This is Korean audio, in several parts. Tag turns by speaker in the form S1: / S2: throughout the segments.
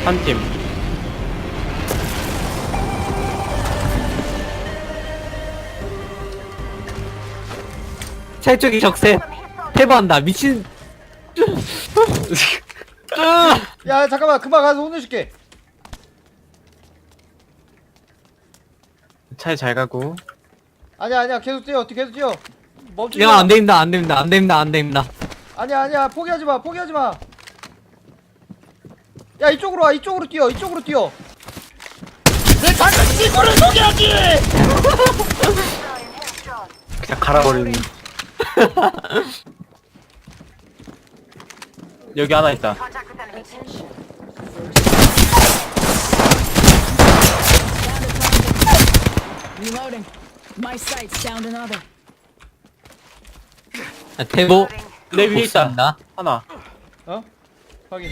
S1: 한 팀.
S2: 찰쪽이 적세 패배한다 미친.
S3: 야 잠깐만 금방 가서 혼내줄게.
S1: 차에 잘 가고.
S3: 아니야 계속 뛰어 계속 뛰어. 멈추지
S2: 야
S3: 마.
S2: 안됩니다 안됩니다 안됩니다 안됩니다.
S3: 아니야 포기하지마 포기하지마. 야 이쪽으로 와 이쪽으로 뛰어 이쪽으로 뛰어. 내 작은 친구를 소개하지.
S1: 그냥 갈아버리는. 여기 하나 있다.
S4: Reloading. My sight's down another.
S2: 대보
S1: 내 위에 있다.
S2: 복수한다.
S1: 하나.
S3: 어? 확인.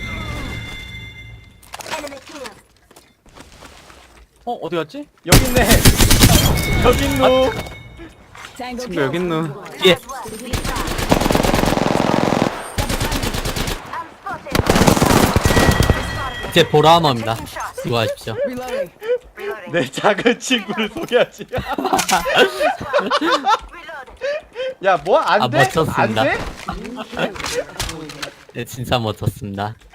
S1: 어디 갔지?
S3: 여기 있네. 여기 있노.
S4: Tango
S1: 친구
S4: kill.
S1: 여기 있노.
S2: 예. 제 보라마입니다. 수고하십시오.
S4: Reloading.
S3: 내 작은 친구를 소개하지. 야, 뭐 안
S2: 아,
S3: 돼?
S2: 멋졌습니다.
S3: 안 돼?
S2: 네, 진짜 멋졌습니다.